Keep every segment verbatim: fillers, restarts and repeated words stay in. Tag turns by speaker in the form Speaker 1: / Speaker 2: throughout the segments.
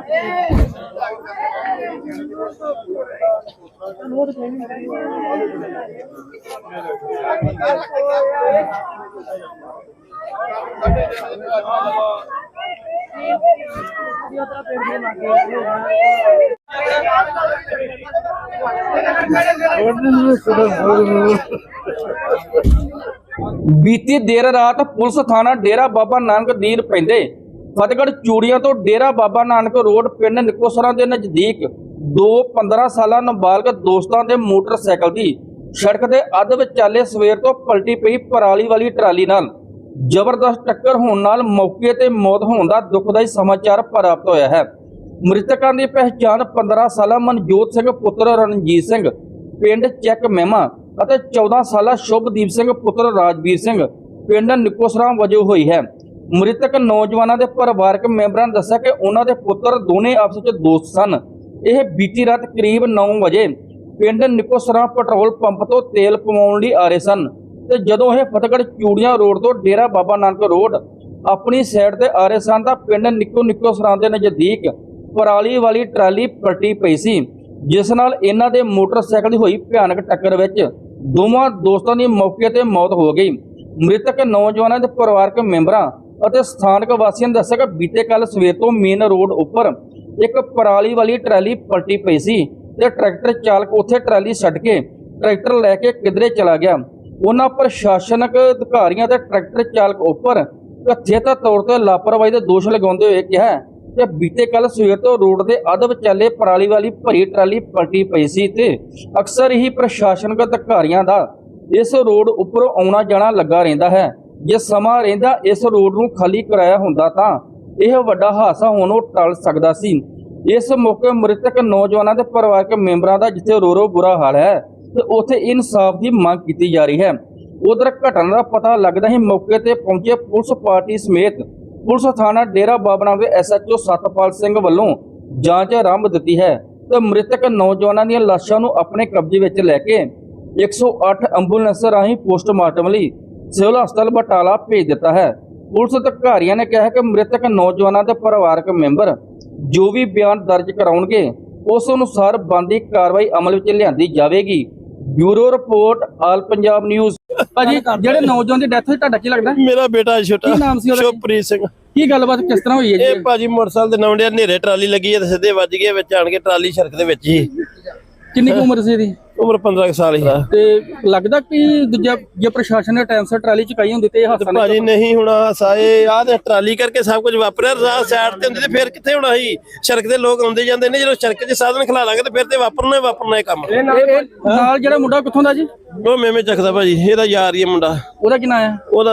Speaker 1: बीती देर रात पुलिस थाना डेरा बाबा नानक दीन पैंदे फतेहगढ़ चूड़ियां तो डेरा बाबा नानक रोड पिंड निकोसरा के नजदीक दो पंद्रह साल नाबालग दोस्तों के मोटरसाइकिल की सड़क के अध विचाले सवेर तो पलटी पई पराली वाली ट्राली नाल जबरदस्त टक्कर होने नाल मौके ते मौत होने का दुखदाई समाचार प्राप्त होया है। मृतकों की पहचान पंद्रह साल मनजोत सिंह पुत्र रणजीत सिंह पिंड चैक मेमा ਅਤੇ चौदह साल शुभदीप सिंह पुत्र राजवीर सिंह पिंड निकोसरा वजों हुई है। मृतक नौजवानों के परिवारक मैंबरों ने दस्सिया कि उन्होंने पुत्र दोने आपस में दोस्त सन। यह बीती रात करीब नौ बजे पिंड निकोसरा पेट्रोल पंप तो तेल पवाउण लई आ रहे सन ते जदों यह फतेहगढ़ चूड़ियां रोड तो डेरा बाबा नानक रोड अपनी साइड ते आ रहे सन तां पिंड निको निकोसरा के नज़दीक पराली वाली ट्राली पलटी पई सी, जिस नाल इन्हां दे मोटरसाइकिल दी होई भयानक टक्कर विच दोवां दोस्तों की मौके पर मौत हो गई। मृतक नौजवानों के परिवारक मैंबरों और स्थानक वासियों ने दस्सिया कि बीते कल सवेर तो मेन रोड उपर एक पराली वाली ट्राली पलटी पई सी ते ट्रैक्टर चालक उत्थे ट्राली छड्ड के ट्रैक्टर लैके किधरे चला गया। उन्हां प्रशासनक अधिकारियों ते ट्रैक्टर चालक उपर कथित तौर पर लापरवाही के दोष लगाते हुए कहा कि बीते कल सवेर तो रोड के अध विचाले पराली वाली भरी ट्राली पलटी पई सी ते अक्सर ही प्रशासनक अधिकारियों का इस रोड उपर आउणा जाना लगा रहिंदा है। जे समा रहिंदा इस रोड नूं खाली कराया हुंदा तां यह वड्डा हादसा होणों टल सकदा सी। इस मौके मृतक नौजवानों के परिवारक मैंबरों का जिथे रो रो बुरा हाल है तो उत्थे इंसाफ की मांग की जा रही है। उधर घटना का पता लगदा ही मौके पर पहुंचे पुलिस पार्टी समेत पुलिस थाना Dera Baba Nanak S H O Satpal Singh वालों जांच आरंभ दी है तो मृतक नौजवानों दी लाशां नूं अपने कब्जे विच लैके एक सौ आठ एंबूलेंस राही पोस्टमार्टम लई सिविल हस्पताल बटाला भेज दिता है। पुलिस अधिकारियों ने कहा कि मृतक नौजवानों के परिवारक मैंबर जो भी बयान दर्ज कराउणगे उस अनुसार बनदी कार्रवाई अमल विच लिआंदी जावेगी। Bureau report all Punjab news. भाजी ਜਿਹੜੇ ਨੌਜਵਾਨ ਦੀ ਡੈਥ ਹੋਈ ਤੁਹਾਡਾ ਕੀ ਲੱਗਦਾ?
Speaker 2: ਮੇਰਾ ਬੇਟਾ ਛੋਟਾ
Speaker 1: ਕੀ ਨਾਮ ਸੀ ਉਹਦਾ?
Speaker 2: ਸ਼ੁਭਪ੍ਰੀਤ ਸਿੰਘ।
Speaker 1: ਕੀ ਗੱਲਬਾਤ ਕਿਸ ਤਰ੍ਹਾਂ ਹੋਈ ਹੈ ਜੀ?
Speaker 2: ਇਹ ਭਾਜੀ ਮੋਟਰਸਾਈਕਲ ਦੇ ਨਵੰਡੇ ਹਨੇਰੇ ਟਰਾਲੀ ਲੱਗੀ ਹੈ ਤੇ ਸਿੱਧੇ ਵੱਜ ਗਏ ਵਿੱਚ ਆਣ ਕੇ ਟਰਾਲੀ ਸੜਕ ਦੇ ਵਿੱਚ ਹੀ।
Speaker 1: ਕਿੰਨੀ ਕੁ ਉਮਰ ਸੀ ਇਹਦੀ?
Speaker 2: ਉਮਰ ਪੰਦਰਾਂ ਕੁ ਸਾਲ ਹੀ।
Speaker 1: ਤੇ ਲੱਗਦਾ ਕਿ ਦੂਜਾ ਜੇ ਪ੍ਰਸ਼ਾਸਨ ਨੇ ਟਾਈਮ ਸਿਰ ਟਰਾਲੀ ਚੁਕਾਈ ਹੁੰਦੀ ਤੇ ਇਹ ਹਾਦਸਾ ਨਾ
Speaker 2: ਭਾਜੀ ਨਹੀਂ ਹੋਣਾ ਸਾਏ ਆਹ ਤੇ ਟਰਾਲੀ ਕਰਕੇ ਸਭ ਕੁਝ ਵਾਪਰਿਆ। ਰਾਹ ਸਾਈਡ ਤੇ ਹੁੰਦੀ ਤੇ ਫਿਰ ਕਿੱਥੇ ਹੋਣਾ ਸੀ? ਸੜਕ ਦੇ ਲੋਕ ਆਉਂਦੇ ਜਾਂਦੇ ਨੇ, ਜਦੋਂ ਸੜਕ 'ਚ ਸਾਧਨ ਖਲਾ ਲਾਂਗੇ ਤੇ ਫਿਰ ਤੇ ਵਾਪਰਨਾ ਹੀ ਵਾਪਰਨਾ ਇਹ ਕੰਮ।
Speaker 1: ਨਾਲ ਜਿਹੜਾ ਮੁੰਡਾ ਕਿੱਥੋਂ ਦਾ ਜੀ?
Speaker 2: ਉਹ ਮੇਵੇਂ ਚੱਕਦਾ ਭਾਜੀ, ਇਹਦਾ ਯਾਰ ਹੀ ਮੁੰਡਾ।
Speaker 1: ਉਹਦਾ ਕੀ ਨਾਂ ਹੈ?
Speaker 2: ਉਹਦਾ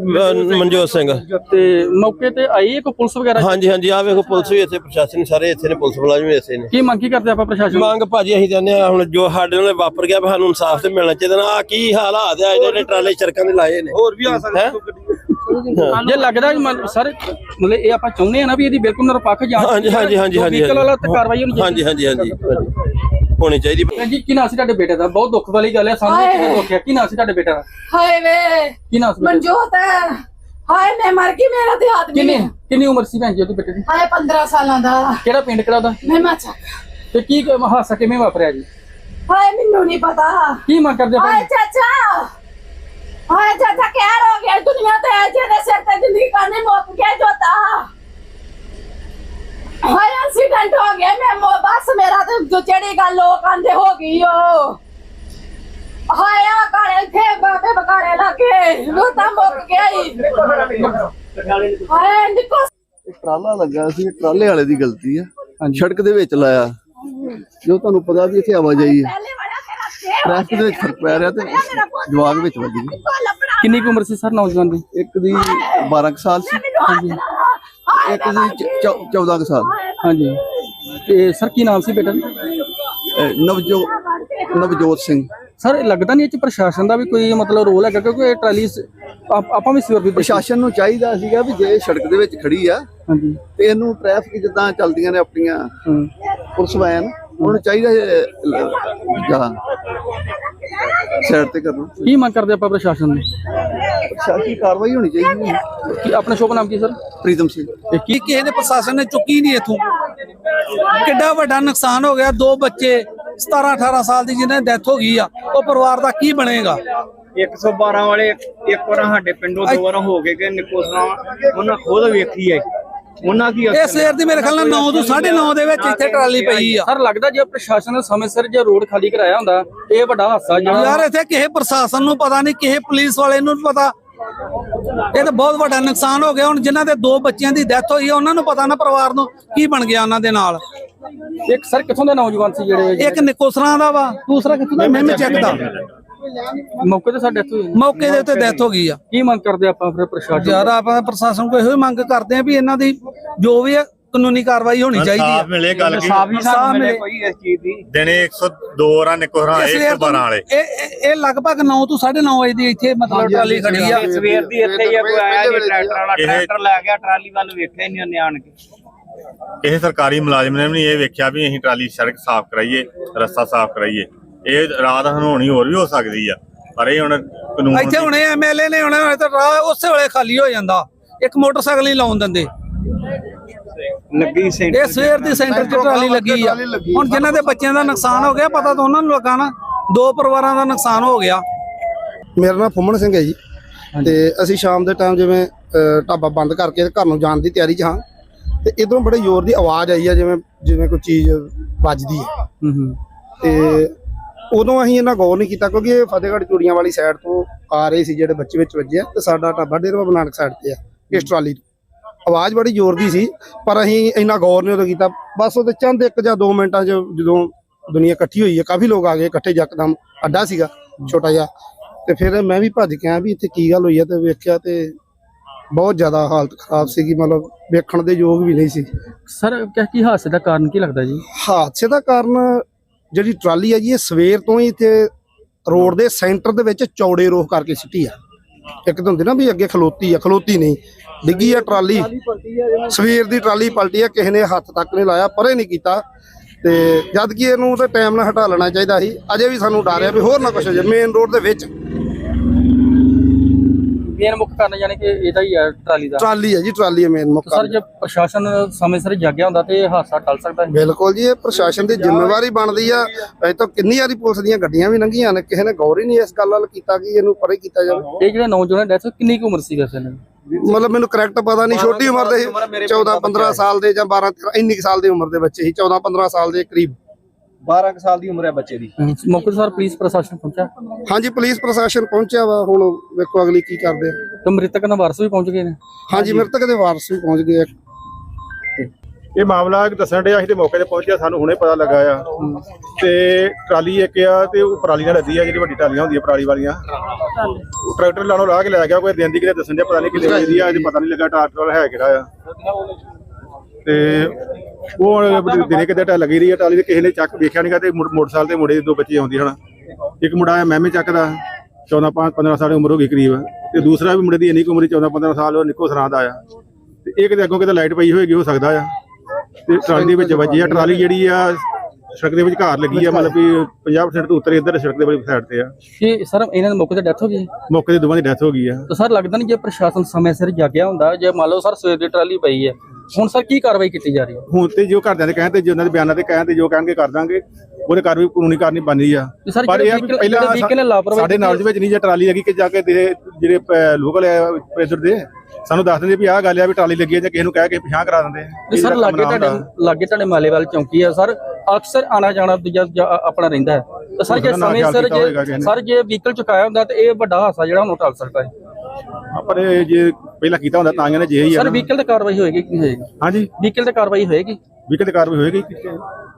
Speaker 2: ਮਨਜੋਤ ਸਿੰਘ।
Speaker 1: ਤੇ ਮੌਕੇ ਤੇ ਆਈ ਇੱਕ ਪੁਲਿਸ ਵਗੈਰਾ?
Speaker 2: ਹਾਂਜੀ ਹਾਂਜੀ ਆਹ ਵੇਖੋ ਪੁਲਿਸ ਵੀ ਇੱਥੇ, ਪ੍ਰਸ਼ਾਸਨ ਸਾਰੇ ਇੱਥੇ ਨੇ, ਪੁਲਿਸ ਮੁਲਾਜ਼ਮ ਵੀ ਇੱਥੇ ਨੇ।
Speaker 1: ਕੀ ਮੰਗ ਕੀ ਕਰਦੇ ਆਪਾਂ ਪ੍ਰਸ਼ਾਸਨ?
Speaker 2: ਮੰਗ ਭਾਜੀ ਅਸੀਂ ਕਹਿੰਦੇ ਆ ਹੁਣ ਜੋ ਸਾਡੇ ਨਾਲ ਵਾਪਰ ਗਿਆ ਸਾਨੂੰ ਇਨਸਾਫ ਤੇ ਮਿਲਣਾ ਚਾਹੀਦਾ ਨਾ। ਆ ਕੀ ਹਾਲਾਤ ਆ ਜਿਹੜੇ ਟਰਾਲੇ ਸੜਕਾਂ ਦੇ ਲਾਏ ਨੇ, ਹੋਰ ਵੀ ਆ ਸਕਦਾ
Speaker 1: ਜੇ ਲੱਗਦਾ ਸਰ ਮਤਲਬ ਇਹ ਆਪਾਂ ਚਾਹੁੰਦੇ ਆ ਨਾ ਵੀ ਇਹਦੀ ਬਿਲਕੁਲ ਨਿਰਪੱਖ ਜਾਂਚ।
Speaker 2: ਹਾਂਜੀ ਹਾਂਜੀ ਹਾਂਜੀ ਹਾਂਜੀ
Speaker 1: ਕਾਰਵਾਈ ਹੋਣੀ
Speaker 2: ਹਾਂਜੀ ਹਾਂਜੀ ਹਾਂਜੀ ਹੋਣੀ ਚਾਹੀਦੀ।
Speaker 1: ਜੀ ਕੀ ਨਾਂ ਸੀ ਤੁਹਾਡੇ ਬੇਟੇ ਦਾ? ਬਹੁਤ ਦੁੱਖ ਵਾਲੀ ਗੱਲ ਹੈ ਸਾਹਮਣੇ ਕਿਹਨੇ ਦੁੱਖ ਹੈ। ਕੀ ਨਾਂ ਸੀ ਤੁਹਾਡੇ ਬੇਟੇ ਦਾ?
Speaker 3: ਹਾਏ ਵੇ
Speaker 1: ਕੀ ਨਾਂ ਸੀ?
Speaker 3: ਮਨਜੋਤ ਹੈ। ਹਾਏ ਮੈਂ ਮਰ ਗਈ, ਮੇਰਾ ਤੇ ਆਦਮੀ।
Speaker 1: ਕਿੰਨੀ ਕਿੰਨੀ ਉਮਰ ਸੀ ਭੈਣ ਜੀ ਉਹਦੇ ਬੇਟੇ ਦੀ?
Speaker 3: ਹਾਏ ਪੰਦਰਾਂ ਸਾਲਾਂ ਦਾ।
Speaker 1: ਕਿਹੜਾ ਪਿੰਡ ਕਿਹੜਾ ਉਹਦਾ?
Speaker 3: ਮਹਿਮਾ ਚੱਕ।
Speaker 1: ਤੇ ਕੀ ਹਾਦਸਾ ਕਿਵੇਂ ਵਾਪਰਿਆ ਜੀ?
Speaker 3: ਹਾਏ ਮੈਨੂੰ ਨਹੀਂ ਪਤਾ।
Speaker 1: ਕੀ ਮੰਗ ਕਰਦੇ
Speaker 3: ਹਾਏ ਚਾਚਾ, ਹਾਏ ਚਾਚਾ ਕਹਿ ਹੋ ਗਿਆ ਦੁਨੀਆ ਤੇ ਜਿਹਦੇ ਸਿਰ ਤੇ ਜ਼ਿੰਦਗੀ ਕਾਨੇ ਮੁੱਕ ਗਿਆ ਜੋਤਾ। ਹਾਏ ਐਕਸੀਡੈਂਟ ਹੋ ਗਿਆ, ਮੈਂ ਬਸ ਮੇਰਾ ਤੇ ਜੋ ਜਿਹੜੀ ਗੱਲ ਲੋਕ ਆਂਦੇ ਹੋ ਗਈ ਓ। ਹਾਏ ਆ ਕਾਲੇ ਥੇ ਬਾਬੇ ਬਕਾਲੇ ਲੱਗੇ ਰੋਤਾ ਮੁੱਕ ਗਿਆ ਹੀ। ਹਾਏ ਨਿਕੋ
Speaker 4: ਟਰਾਲਾ ਲੱਗਾ ਸੀ, ਟਰਾਲੇ ਵਾਲੇ ਦੀ ਗਲਤੀ ਆ, ਸੜਕ ਦੇ ਵਿੱਚ ਲਾਇਆ। ਜੋ ਤੁਹਾਨੂੰ ਪਤਾ ਵੀ ਇੱਥੇ ਆਵਾਜਾਈ ਹੈ, ਟ੍ਰੈਫਿਕ ਦੇ ਵਿੱਚ ਫਰਕ ਪੈ ਰਿਹਾ ਤੇ ਜਵਾਗ ਵਿੱਚ ਵੱਜ ਗਈ।
Speaker 1: ਕਿੰਨੀ ਕੁ ਉਮਰ ਸੀ ਸਰ ਨੌਜਵਾਨ ਦੀ?
Speaker 4: ਇੱਕ ਦੀ ਬਾਰਾਂ ਕੁ ਸਾਲ ਸੀ, ਇੱਕ ਦੀ ਚੌਦਾਂ ਕੁ ਸਾਲ।
Speaker 1: ਹਾਂਜੀ ਤੇ ਸਰ ਕੀ ਨਾਮ ਸੀ ਬੇਟਾ?
Speaker 4: ਨਵਜੋਤ ਨਵਜੋਤ ਸਿੰਘ।
Speaker 1: ਸਰ ਲੱਗਦਾ ਨਹੀਂ ਇਹ ਚ ਪ੍ਰਸ਼ਾਸਨ ਦਾ ਵੀ ਕੋਈ ਮਤਲਬ ਰੋਲ ਹੈਗਾ ਕਿਉਂਕਿ ਇਹ ਟਰਾਲੀ ਆਪਾਂ ਵੀ ਸਵੇਰ ਦੀ
Speaker 4: ਪ੍ਰਸ਼ਾਸਨ ਨੂੰ ਚਾਹੀਦਾ ਸੀਗਾ ਵੀ ਜੇ ਸੜਕ ਦੇ ਵਿੱਚ ਖੜੀ ਆ
Speaker 1: ਹਾਂਜੀ
Speaker 4: ਤੇ ਇਹਨੂੰ ਟ੍ਰੈਫਿਕ ਜਿੱਦਾਂ ਚੱਲਦੀਆਂ ਨੇ ਆਪਣੀਆਂ ਪੁਲਿਸ ਵੈਨ, ਉਹਨੂੰ ਚਾਹੀਦਾ ਜਾਂ ਸਾਈਡ ਤੇ ਕਰਨਾ।
Speaker 1: ਕੀ ਮੰਗ ਕਰਦੇ ਆਪਾਂ ਪ੍ਰਸ਼ਾਸਨ ਨੂੰ?
Speaker 4: ਪ੍ਰਸ਼ਾਸਨੀ ਕਾਰਵਾਈ ਹੋਣੀ ਚਾਹੀਦੀ ਹੈ।
Speaker 1: ਕੀ ਆਪਣਾ ਸ਼ੁਭ ਨਾਮ ਕੀ ਸਰ?
Speaker 4: ਪ੍ਰੀਤਮ ਸਿੰਘ।
Speaker 1: ਕੀ ਕਿਸੇ ਦੇ ਪ੍ਰਸ਼ਾਸਨ ਨੇ ਚੁੱਕੀ ਨਹੀਂ ਇਥੋਂ
Speaker 5: ਕਿੱਡਾ ਵੱਡਾ ਨੁਕਸਾਨ ਹੋ ਗਿਆ। ਦੋ ਬੱਚੇ ਸਤਾਰਾਂ ਅਠਾਰਾਂ ਸਾਲ ਦੀ ਜਿਹਨਾਂ ਦੀ ਡੈਥ ਹੋ ਗਈ ਆ, ਉਹ ਪਰਿਵਾਰ ਦਾ ਕੀ ਬਣੇਗਾ?
Speaker 6: ਇੱਕ ਸੌ ਬਾਰਾਂ ਵਾਲੇ ਇੱਕ ਵਾਰ ਸਾਡੇ ਪਿੰਡੋਂ ਦੋ ਵਾਰ ਹੋ ਗਏ ਕਿ ਨਿਕੋਸਰਾ ਉਹਨਾਂ ਖੁਦ ਵੇਖੀ ਹੈ ਉਹਨਾਂ ਕੀ
Speaker 5: ਇਹ ਸਵੇਰ ਦੀ ਮੇਰੇ ਖਿਆਲ ਨਾਲ ਨੌ ਤੋਂ ਸਾਢੇ ਨੌ ਦੇ ਵਿੱਚ ਇੱਥੇ ਟਰਾਲੀ ਪਈ ਆ।
Speaker 1: ਸਰ ਲੱਗਦਾ ਜੇ ਪ੍ਰਸ਼ਾਸਨ ਨੇ ਸਮੇਂ ਸਿਰ ਜੇ ਰੋਡ ਖਾਲੀ ਕਰਾਇਆ ਹੁੰਦਾ ਇਹ ਵੱਡਾ ਹਾਦਸਾ ਜਿਹੜਾ
Speaker 5: ਯਾਰ ਇੱਥੇ ਕਿਸੇ ਪ੍ਰਸ਼ਾਸਨ ਨੂੰ ਪਤਾ ਨਹੀਂ, ਕਿਸੇ ਪੁਲਿਸ ਵਾਲੇ ਨੂੰ ਨੀ ਪਤਾ। ਇਹ ਤਾਂ ਬਹੁਤ ਵੱਡਾ ਨੁਕਸਾਨ ਹੋ ਗਿਆ। ਹੁਣ ਜਿਨ੍ਹਾਂ ਦੇ ਦੋ ਬੱਚਿਆਂ ਦੀ ਡੈਥ ਹੋਈ ਆ ਉਹਨਾਂ ਨੂੰ ਪਤਾ ਨਾ ਪਰਿਵਾਰ ਨੂੰ ਕੀ ਬਣ ਗਿਆ ਉਹਨਾਂ ਦੇ ਨਾਲ।
Speaker 1: ਇੱਕ ਸਰ ਕਿੱਥੋਂ ਦੇ ਨੌਜਵਾਨ ਸੀ ਜਿਹੜੇ
Speaker 5: ਇੱਕ ਨਿਕੋਸਰਾਂ ਦਾ ਵਾ, ਦੂਸਰਾ ਕਿੱਥੋਂ ਦਾ ਮੈਂ ਚੈੱਕ ਦਾ।
Speaker 1: ਮੌਕੇ ਤੇ ਸਾਡੇ ਇੱਥੇ
Speaker 5: ਮੌਕੇ ਦੇ ਉੱਤੇ ਡੈਥ ਹੋ ਗਈ ਆ।
Speaker 1: ਕੀ ਮੰਗ ਕਰਦੇ ਆਪਾਂ ਫਿਰ ਪ੍ਰਸ਼ਾਸਨ?
Speaker 5: ਯਾਰ ਆਪਾਂ ਪ੍ਰਸ਼ਾਸਨ ਕੋਲ ਇਹੋ ਹੀ ਮੰਗ ਕਰਦੇ ਆ ਵੀ ਇਹਨਾਂ ਦੀ ਜੋ ਵੀ ਹੈ ਕਾਨੂੰਨੀ ਕਾਰਵਾਈ ਹੋਣੀ ਚਾਹੀਦੀ
Speaker 7: ਸਾਫ
Speaker 5: ਹੈ।
Speaker 7: ਮਿਲੇ ਗੱਲ ਕੀ
Speaker 5: ਇਨਸਾਫ਼ ਮਿਲੇ।
Speaker 6: ਕੋਈ ਇਸ ਚੀਜ਼ ਦੀ
Speaker 7: ਦਿਨੇ ਇੱਕ ਸੌ ਦੋ ਰਾਂ ਨਿਕੋਹਰਾਂ
Speaker 5: ਇਸ
Speaker 7: ਇੱਕ
Speaker 5: ਵੇਰ
Speaker 7: ਸੌ ਬਾਰਾਂ ਵਾਲੇ
Speaker 5: ਇਹ ਇਹ- ਇਹ ਲਗਭਗ ਨੌ ਤੋਂ ਸਾਢੇ ਨੌ ਵਜੇ ਦੀ ਇੱਥੇ ਮਤਲਬ ਟਰਾਲੀ ਖੜੀ ਆ।
Speaker 6: ਸਵੇਰ ਦੀ ਇੱਥੇ ਹੀ ਆ, ਕੋਈ ਆਇਆ ਨਹੀਂ ਟਰੈਕਟਰ ਵਾਲਾ
Speaker 7: ਇਹ-
Speaker 6: ਟਰੈਕਟਰ ਲੈ ਗਿਆ ਟਰਾਲੀ ਵੱਲ ਵੇਖਿਆ ਹੀ ਨਹੀਂ ਉਹਨੇ ਆਣ ਕੇ।
Speaker 7: ਕਿਸੇ ਸਰਕਾਰੀ ਮੁਲਾਜ਼ਮ ਨੇ ਵੀ ਨਹੀਂ ਇਹ ਵੇਖਿਆ ਵੀ ਅਸੀਂ ਟਰਾਲੀ ਸੜਕ ਸਾਫ਼ ਕਰਾਈਏ, ਰਸਤਾ ਸਾਫ਼ ਕਰਾਈਏ। ਇਹ ਰਾਤ ਹਨੋਣੀ ਹੋਰ ਵੀ ਹੋ ਸਕਦੀ ਆ, ਪਰ ਇਹ ਹੁਣ ਕਾਨੂੰਨ
Speaker 5: ਇੱਥੇ ਹੁਣੇ ਐਮਐਲਏ ਨੇ ਹੁਣੇ ਹੁਣੇ ਤਾਂ ਰਾਹ ਉਸੇ ਵੇਲੇ ਖਾਲੀ ਹੋ ਜਾਂਦਾ। ਇੱਕ ਮੋਟਰਸਾਈਕਲ ਹੀ ਲਾਉਣ ਦਿੰਦੇ।
Speaker 6: ਲੱਗੀ ਸੈਂਟਰ
Speaker 5: ਇਹ ਸਵੇਰ ਦੀ ਸੈਂਟਰ 'ਚ ਟਰਾਲੀ ਲੱਗੀ ਆ। ਹੁਣ ਜਿਨ੍ਹਾਂ ਦੇ ਬੱਚਿਆਂ ਦਾ ਨੁਕਸਾਨ ਹੋ ਗਿਆ ਪਤਾ ਤਾਂ ਉਹਨਾਂ ਨੂੰ ਲੱਗਾ ਨਾ। ਦੋ ਪਰਿਵਾਰਾਂ ਦਾ ਨੁਕਸਾਨ ਹੋ ਗਿਆ।
Speaker 8: ਮੇਰਾ ਨਾਮ ਫੁੰਮਣ ਸਿੰਘ ਹੈ ਜੀ ਤੇ ਅਸੀਂ ਸ਼ਾਮ ਦੇ ਟਾਈਮ ਜਿਵੇਂ ਅ, ਢਾਬਾ ਬੰਦ ਕਰਕੇ ਘਰ ਨੂੰ ਜਾਣ ਦੀ ਤਿਆਰੀ 'ਚ ਹਾਂ ਤੇ ਇਧਰੋਂ ਬੜੇ ਜ਼ੋਰ ਦੀ ਆਵਾਜ਼ ਆਈ ਆ, ਜਿਵੇਂ ਜਿਵੇਂ ਕੋਈ ਚੀਜ਼ ਵੱਜਦੀ ਹੈ।
Speaker 1: ਹੂੰ ਹੂੰ
Speaker 8: ਤੇ ਉਦੋਂ ਅਸੀਂ ਇਹਨਾਂ ਗੌਰ ਨਹੀਂ ਕੀਤਾ ਕਿਉਂਕਿ ਇਹ ਫਤਿਹਗੜ੍ਹ ਚੂੜੀਆਂ ਵਾਲੀ ਸਾਈਡ ਤੋਂ ਆ ਰਹੇ ਸੀ ਜਿਹੜੇ ਬੱਚੇ ਵਿੱਚ ਵੱਜੇ ਆ ਤੇ ਸਾਡਾ ਢਾਬਾ ਡੇਰਾ ਬਾਬਾ ਨਾਨਕ ਸਾਈਡ ਤੇ ਆ। ਇਸ ਟਰਾਲੀ ਤੋਂ ਆਵਾਜ਼ ਬੜੀ ਜ਼ੋਰ ਦੀ ਸੀ ਪਰ ਅਸੀਂ ਇੰਨਾ ਗੌਰ ਨਹੀਂ ਉਦੋਂ ਕੀਤਾ। ਬਸ ਉਹਦੇ ਚੰਦ ਇੱਕ ਜਾਂ ਦੋ ਮਿੰਟਾਂ 'ਚ ਜਦੋਂ ਦੁਨੀਆ ਇਕੱਠੀ ਹੋਈ ਹੈ, ਕਾਫੀ ਲੋਕ ਆ ਗਏ ਇਕੱਠੇ, ਯਕਦਮ ਅੱਡਾ ਸੀਗਾ ਛੋਟਾ ਜਿਹਾ। ਤੇ ਫਿਰ ਮੈਂ ਵੀ ਭੱਜ ਕੇ ਆਇਆ ਵੀ ਇੱਥੇ ਕੀ ਗੱਲ ਹੋਈ ਹੈ ਤੇ ਵੇਖਿਆ ਤੇ ਬਹੁਤ ਜ਼ਿਆਦਾ ਹਾਲਤ ਖਰਾਬ ਸੀਗੀ, ਮਤਲਬ ਵੇਖਣ ਦੇ ਯੋਗ ਵੀ ਨਹੀਂ ਸੀ।
Speaker 1: ਸਰ ਕਿਆ ਕੀ ਹਾਦਸੇ ਦਾ ਕਾਰਨ ਕੀ ਲੱਗਦਾ ਜੀ?
Speaker 8: ਹਾਦਸੇ ਦਾ ਕਾਰਨ ਜਿਹੜੀ ਟਰਾਲੀ ਹੈ ਜੀ ਇਹ ਸਵੇਰ ਤੋਂ ਹੀ ਇੱਥੇ ਰੋਡ ਦੇ ਸੈਂਟਰ ਦੇ ਵਿੱਚ ਚੌੜੇ ਰੋਹ ਕਰਕੇ ਸਿੱਟੀ ਆ। ਇੱਕ ਤਾਂ ਹੁੰਦੀ ਨਾ ਵੀ ਅੱਗੇ ਖਲੋਤੀ ਆ, ਖਲੋਤੀ ਨਹੀਂ, ਡਿੱਗੀ ਆ ਟਰਾਲੀ। ਸਵੇਰ ਦੀ ਟਰਾਲੀ ਪਲਟੀ ਆ, ਕਿਸੇ ਨੇ ਹੱਥ ਤੱਕ ਨਹੀਂ ਲਾਇਆ, ਪਰੇ ਨਹੀਂ ਕੀਤਾ। ਤੇ ਜਦ ਕਿ ਇਹਨੂੰ ਤੇ ਟਾਈਮ ਨਾਲ ਹਟਾ ਲੈਣਾ ਚਾਹੀਦਾ ਸੀ। ਅਜੇ ਵੀ ਸਾਨੂੰ ਡਰ ਆ ਵੀ ਹੋਰ ਨਾ ਕੁਛ ਹੋ ਜਾਏ ਮੇਨ ਰੋਡ ਦੇ ਵਿੱਚ।
Speaker 1: ਮੇਨ ਮੁੱਖ ਕਾਰਨ ਯਾਨੀ ਕਿ ਇਹਦਾ ਹੀ ਹੈ ਟਰਾਲੀ ਦਾ।
Speaker 8: ਟਰਾਲੀ ਹੈ ਜੀ, ਟਰਾਲੀ ਹੈ ਮੇਨ ਮੁੱਖ
Speaker 1: ਸਰ ਜੇ ਪ੍ਰਸ਼ਾਸਨ ਸਮੇਂ ਸਿਰ ਜਾਗਿਆ ਹੁੰਦਾ ਤੇ ਇਹ ਹਾਦਸਾ ਟਲ ਸਕਦਾ ਹੈ।
Speaker 8: ਬਿਲਕੁਲ ਜੀ, ਇਹ ਪ੍ਰਸ਼ਾਸਨ ਦੀ ਜ਼ਿੰਮੇਵਾਰੀ ਬਣਦੀ ਆ। ਅਜੇ ਤਾਂ ਕਿੰਨੀ ਵਾਰੀ ਪੁਲਿਸ ਦੀਆਂ ਗੱਡੀਆਂ ਵੀ ਲੰਘੀਆਂ ਨੇ, ਕਿਸੇ ਨੇ ਗੌਰ ਹੀ ਨਹੀਂ ਇਸ ਗੱਲ ਵੱਲ ਕੀਤਾ ਕਿ ਇਹਨੂੰ ਪਰੇ ਕੀਤਾ ਜਾਵੇ।
Speaker 1: ਇਹ ਜਿਹੜੇ ਨੌਜਵਾਨ ਡੈਥ ਕਿੰਨੀ ਕੁ ਉਮਰ ਸੀ ਵੈਸੇ ਨੇ?
Speaker 8: ਮਤਲਬ ਮੈਨੂੰ ਕਰੈਕਟ ਪਤਾ ਨਹੀਂ, ਛੋਟੀ ਉਮਰ ਦੇ ਚੌਦਾਂ ਪੰਦਰਾਂ ਸਾਲ ਦੇ ਜਾਂ ਬਾਰਾਂ ਤੇਰਾਂ ਇੰਨੀ ਕੁ ਸਾਲ ਦੀ ਉਮਰ ਦੇ ਬੱਚੇ ਸੀ, ਚੌਦਾਂ ਪੰਦਰਾਂ ਸਾਲ ਦੇ ਕਰੀਬ।
Speaker 6: ਬਾਰਾਂ ਕੁ ਸਾਲ ਦੀ ਉਮਰ ਹੈ ਬੱਚੇ ਦੀ।
Speaker 1: ਮੌਕੇ ਤੇ ਸਰ ਪੁਲਿਸ ਪ੍ਰਸ਼ਾਸਨ ਪਹੁੰਚਿਆ?
Speaker 8: ਹਾਂਜੀ, ਪੁਲਿਸ ਪ੍ਰਸ਼ਾਸਨ ਪਹੁੰਚਿਆ ਵਾ। ਹੁਣ ਵੇਖੋ ਅਗਲੀ ਕੀ ਕਰਦੇ ਆ।
Speaker 1: ਤੇ ਮ੍ਰਿਤਕ ਦੇ ਵਾਰਸ ਵੀ ਪਹੁੰਚ ਗਏ ਨੇ?
Speaker 8: ਹਾਂਜੀ, ਮ੍ਰਿਤਕ ਦੇ ਵਾਰਸ ਵੀ ਪਹੁੰਚ ਗਏ ਆ।
Speaker 9: ਇਹ ਮਾਮਲਾ ਦੱਸਣ ਡਿਆ ਅਸੀਂ ਤੇ ਮੌਕੇ ਤੇ ਪਹੁੰਚਿਆ, ਸਾਨੂੰ ਹੁਣੇ ਪਤਾ ਲੱਗਾ ਆ। ਤੇ ਟਰਾਲੀ ਇੱਕ ਆ ਤੇ ਉਹ ਪਰਾਲੀ ਨਾਲ ਲੱਦੀ ਆ, ਜਿਹੜੀ ਵੱਡੀ ਟਰਾਲੀਆਂ ਹੁੰਦੀਆਂ ਪਰਾਲੀ ਵਾਲੀਆਂ। ਉਹ ਟਰੈਕਟਰ ਲਾਣੋਂ ਲਾਹ ਕੇ ਲੈ ਗਿਆ, ਕੋਈ ਦਿਨ ਦੀ ਕਿਤੇ ਦੱਸਣ ਡਿਆ, ਪਤਾ ਨਹੀਂ ਕਿੰਨੇ ਵਜੇ ਦੀ ਆ, ਅਜੇ ਪਤਾ ਨਹੀਂ ਲੱਗਾ ਟਰੈਕਟਰ ਵਾਲਾ ਹੈ ਕਿਹੜਾ ਆ। ਤੇ ਉਹ ਦਿਨੇ ਕਿਤੇ ਟਾ ਲੱਗੀ ਰਹੀ ਆ ਟਰਾਲੀ ਤੇ, ਕਿਸੇ ਨੇ ਚੱਕ ਵੇਖਿਆ ਨਹੀਂਗਾ। ਤੇ ਮੋਟਰਸਾਈਕਲ ਤੇ ਮੁੰਡੇ ਦੇ ਦੋ ਬੱਚੇ ਆਉਂਦੀ ਹਨ। ਇੱਕ ਮੁੰਡਾ ਆ ਮਹਿਮੇ ਚੱਕ ਦਾ, ਚੌਦਾਂ ਪੰਜ ਪੰਦਰਾਂ ਸਾਲ ਦੀ ਉਮਰ ਹੋ ਗਈ ਕਰੀਬ। ਤੇ ਦੂਸਰਾ ਵੀ ਮੁੰਡੇ ਦੀ ਇੰਨੀ ਕੁ ਉਮਰ ਚੌਦਾਂ ਪੰਦਰਾਂ ਸਾਲ, ਉਹ ਨਿੱਕੋ ਸਰਾਂ ਦਾ ਆ। ਤੇ ਇਹ ਕਿਤੇ ਅੱਗੋਂ ਕਿਤੇ ਲਾਈਟ ਪਈ ਹੋਏਗੀ, ਹੋ ਸਕਦਾ ਆ। ਤੇ ਟਰਾਲੀ ਦੇ ਵਿੱਚ ਵੱਜੀ ਆ। ਟਰਾਲੀ ਜਿਹੜੀ ਆ ਸੜਕ ਦੇ ਵਿੱਚ ਘਾਰ ਲੱਗੀ ਆ, ਮਤਲਬ ਕਿ ਪੰਜਾਹ ਪਰਸੈਂਟ ਤੋਂ ਉੱਤਰ ਇੱਧਰ ਸੜਕ ਦੇ ਵਾਲੀ ਸਾਈਡ ਤੇ ਆ।
Speaker 1: ਕਿ ਸਰ ਇਹਨਾਂ ਦੇ ਮੌਕੇ ਤੇ ਡੈਥ ਹੋ ਗਈ?
Speaker 9: ਮੌਕੇ ਤੇ ਦੋਵਾਂ ਦੀ ਡੈਥ ਹੋ ਗਈ ਆ।
Speaker 1: ਤਾਂ ਸਰ ਲੱਗਦਾ ਨਹੀਂ ਜੇ ਪ੍ਰਸ਼ਾਸਨ ਸਮੇਂ ਸਿਰ ਜਾਗਿਆ ਹੁੰਦਾ, ਜੇ ਮੰਨ ਲਓ ਸਰ ਸਵੇਰ ਦੀ ਟਰਾਲੀ ਪਈ ਹੈ, ਹੁਣ ਸਰ ਕੀ ਕਾਰਵਾਈ ਕੀਤੀ ਜਾ ਰਹੀ ਹੈ?
Speaker 9: ਹੁਣ ਤੇ ਜੋ ਘਰਦਿਆਂ ਦੇ ਕਹਿਣ ਤੇ, ਜੋ ਉਹਨਾਂ ਦੇ ਬਿਆਨਾਂ ਤੇ ਕਹਿਣ ਤੇ ਜੋ ਕਹਿਣਗੇ ਕਰ ਦਾਂਗੇ, ਉਹਦੇ ਕਾਰਵਾਈ ਕਾਨੂੰਨੀ ਕਾਰਨੀ ਬਣਨੀ ਆ।
Speaker 1: ਸਰ
Speaker 9: ਪਰ ਇਹ ਆ ਵੀ ਪਹਿਲਾਂ ਸਾਡੇ ਨੌਲੇਜ ਵਿੱਚ ਨਹੀਂ ਜੇ ਟਰਾਲੀ ਲੱਗੀ ਕਿ ਜਾ ਕੇ ਦੇ ਜਿਹੜੇ ਲੋਕਲ ਪ੍ਰੈਸ਼ਰ ਦੇ ਸਾਨੂੰ ਦੱਸ ਦਿੰਦੇ ਵੀ ਆਹ ਗੱਲ ਆ ਵੀ ਟਰਾਲੀ ਲੱਗੀ ਆ, ਜਾਂ ਕਿਸੇ ਨੂੰ ਕਹਿ ਕੇ ਪਿਛਾਂ ਕਰਾ ਦਿੰਦੇ।
Speaker 1: ਸਰ ਲਾਗੇ ਤੁਹਾਡੇ ਲਾਗੇ ਤੁਹਾਡੇ ਮਾਲੇਵਾਲ ਚੌਂਕੀ ਆ ਸਰ, ਅਕਸਰ ਆਣਾ ਜਾਣਾ ਦੂਜਾ ਆਪਣਾ ਰਹਿੰਦਾ ਹੈ। ਤਾਂ ਸਰ ਜੇ ਸਮੇਂ ਸਿਰ ਜੇ ਸਰ ਜੇ ਵਹੀਕਲ ਚੁਕਾਇਆ ਹੁੰਦਾ ਤੇ ਇਹ ਵੱਡਾ ਹਾਦਸਾ ਜਿਹੜਾ ਹੁਣ ਟਲ ਸਕਦਾ ਹੈ।
Speaker 9: ਪਰ ਜੇ ਪਹਿਲਾਂ ਕੀਤਾ ਹੁੰਦਾ ਤਾਂ ਇਹਨੇ ਜੇ ਹੀ ਆ।
Speaker 1: ਸਰ ਵਹੀਕਲ ਤੇ ਕਾਰਵਾਈ ਹੋਏਗੀ ਕਿ ਨਹੀਂ ਹੋਏਗੀ?
Speaker 9: ਹਾਂਜੀ,
Speaker 1: ਵਹੀਕਲ ਤੇ ਕਾਰਵਾਈ ਹੋਏਗੀ?
Speaker 9: ਵਹੀਕਲ ਤੇ ਕਾਰਵਾਈ ਹੋਏਗੀ।